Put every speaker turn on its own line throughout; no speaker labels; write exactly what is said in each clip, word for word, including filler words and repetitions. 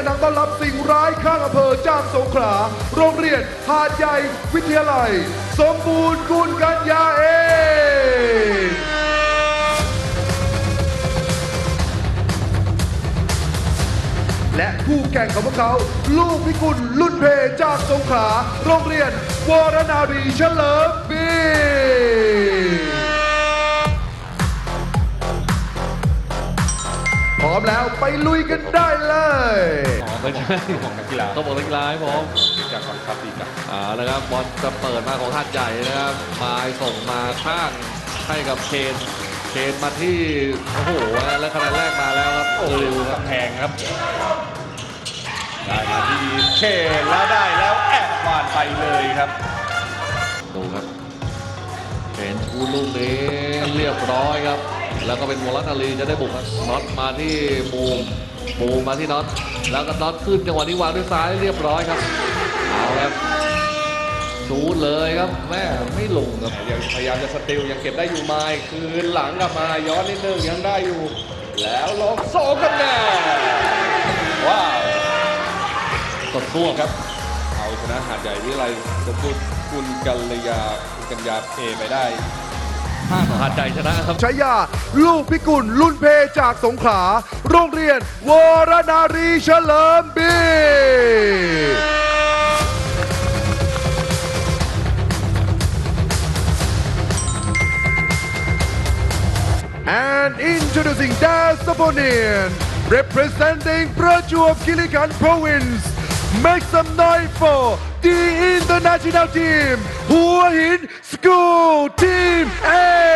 ดินทางต้อนรับสิ่งร้ายข้างอำเภอจากสงขลาโรงเรียนหาดใหญ่วิทยาลัยสมบูรณ์กุลกัญญาเองและคู่แข่งของพวกเขาลูกพิกุลลุ่นเพจากสงขลาโรงเรียนวรนารีเฉลิมบีพร้อมแล้วไปลุยกันได้เลย
อ๋อไม่ใช่ของนักกีฬาต้องบอกนักกีฬาให้พร้อมจากฝั่งครับดีครับอ่านะครับบอลจะเปิดมาของหาดใหญ่นะครับมาส่งมาข้างให้กับเคนเคนมาที่โอ้โหแล้วคะแนนแรกมาแล้วครับโอ้โหแพงครับได้มาที่เคนแล้วได้แล้วแอบวานไปเลยครับดูครับเคนชูลูกนี้เรียบร้อยครับแล้วก็เป็นวอลนารีจะได้บุกครับน็อตมาที่บูมบูมมาที่น็อตแล้วก็น็อตขึ้นจังหวะนี้วางด้วยซ้ายเรียบร้อยครับเอาครับชูเลยครับแม่ไม่ลงครับยังพยายามจะสติลยังเก็บได้อยู่ไม้คืนหลังกลับมาย้อนนิดนึงยังได้อยู่แล้วลงสองคะแนนว้าวกดทั่วครับเอาชนะหาดใหญ่วิไลสมบูรณ์คุณกัลยาคุณกัญญาเอไปได้หาดใหญ่ชนะครับ
ชายาลูกพิกุลลุ่นเพจากสงขลาโรงเรียนวรนารีเฉลิมบี And introducing Das Saponian representing Prachuap Khiri Khan Province make some noise for the international team Hua Hin School Team A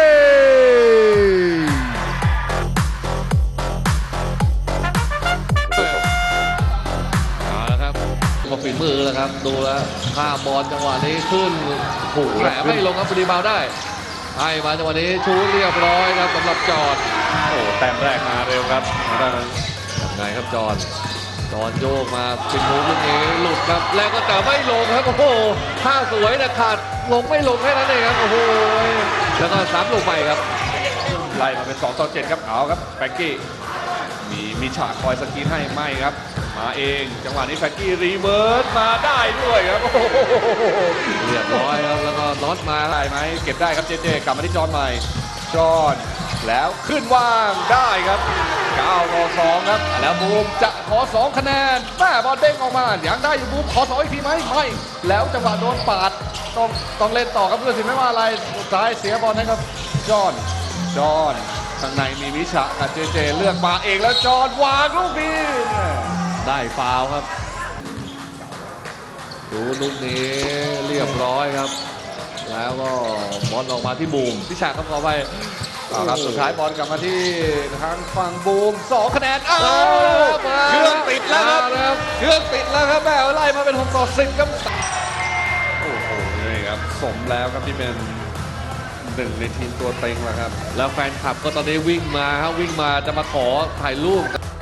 เอาละครับมาฝีมือแล้วครับดูแล้วข้ามบอลจังหวะนี้ขึ้นโอ้โหแหลมไม่ลงครับบรีบาวได้ให้มาจังหวะนี้ชูเรียบร้อยครับสำหรับจอดโอ้แต้มแรกมาเร็วครับด้านนั้นยังไงครับจอดจอดโยกมาเป็นมูฟลูกนี้หลุดครับแล้วก็แต่ไม่ลงครับโอ้โหท่าสวยแต่ขาดลงไม่ลงแค่นั้นเองครับโอ้โหแล้วก็ซ้ำลงไปครับไล่มาเป็นสองต่อเจ็ดครับเอาครับแฟรงกี้มีมีฉากคอยสกรีนให้ไม่ครับมาเองจังหวะนี้แฟรงกี้รีเวิร์สมาได้ด้วยครับโอ้โหเรียบร้อยครับแล้วก็น็อตมาได้ไหมเก็บได้ครับเจเจกลับมาที่จอห์นใหม่จอห์นแล้วขึ้นว่างได้ครับเก้าต่อสองครับแล้วบูมจะขอสองคะแนนแม่บอลเด้งออกมายังได้อยู่บูมขอสองอีกทีไหมไม่แล้วจังหวะโดนปาดต้องต้องเล่นต่อครับเพื่อนสิไม่ว่าอะไรสุดท้ายเสียบอลนะครับจอห์นจอห์นข้างในมีวิชากับเจเจเลือกมาเองแล้วจอห์นวางลูกนี้ได้ฟาวครับดูลูกนี้เรียบร้อยครับแล้วก็บอลออกมาที่บูมพิชาครับขอไปครับสุดท้ายบอลกลับมาที่ทางฝั่งบูมสองคะแนนอ้าวเครื่องติดแล้วครับเครื่องติดแล้วครับแม่ไล่มาเป็นหกต่อสิบครับโอ้โหนี่ครับสมแล้วครับที่เป็นหนึ่งในทีมตัวเต็งแล้วครับแล้วแฟนคลับก็ตอนนี้วิ่งมาครับวิ่งมาจะมาขอถ่ายรูป